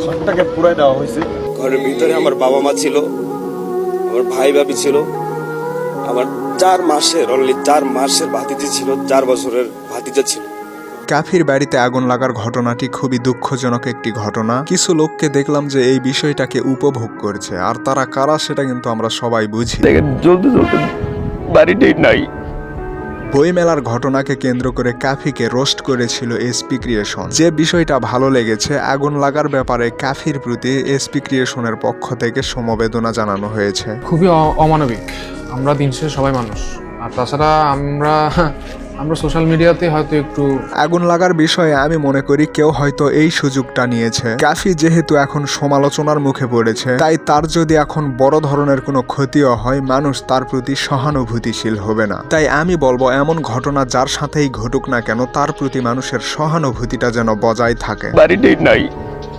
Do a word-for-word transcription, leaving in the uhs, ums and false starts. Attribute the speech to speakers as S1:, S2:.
S1: ঘরটাকে পুরাই দেওয়া হয়েছে।
S2: ঘরের ভিতরে আমার বাবা মা ছিল, আমার ভাই ভাবি ছিল, আমার চার মাসের অনলি চার মাসের ভাতিজি ছিল, চার বছরের ভাতিজা ছিল।
S3: কাফির বাড়িতে আগুন লাগার ঘটনাটি খুবই দুঃখজনক একটি ঘটনা। কিছু লোককে দেখলাম যে এই বিষয়টাকে উপভোগ করছে, আর তারা কারা সেটা কিন্তু আমরা সবাই বুঝি।
S2: জ্বলতে জ্বলতে বাড়িটাই নাই।
S3: বইমেলার ঘটনাকে কেন্দ্র করে কাফিকে রোস্ট করেছিল এসপি ক্রিয়েশন। যে বিষয়টা ভালো লেগেছে, আগুন লাগার ব্যাপারে কাফির প্রতি এসপি ক্রিয়েশনের পক্ষ থেকে সমবেদনা জানানো হয়েছে।
S4: খুবই অ- অমানবিক। আমরা দিন শেষে সবাই মানুষ, আর তাছাড়া আমরা আমরা সোশ্যাল মিডিয়াতে হয়তো একটু
S3: আগুন লাগার বিষয়ে আমি মনে করি কেউ হয়তো এই সুযোগটা নিয়েছে। কাফি যেহেতু এখন সমালোচনার মুখে পড়েছে, তাই তার যদি এখন বড় ধরনের কোনো ক্ষতিও হয়, মানুষ তার প্রতি সহানুভূতিশীল হবে না। তাই আমি বলবো এমন ঘটনা যার সাথেই ঘটুক না কেন, তার প্রতি মানুষের সহানুভূতিটা যেন বজায় থাকে।
S2: বাড়িটাই নাই।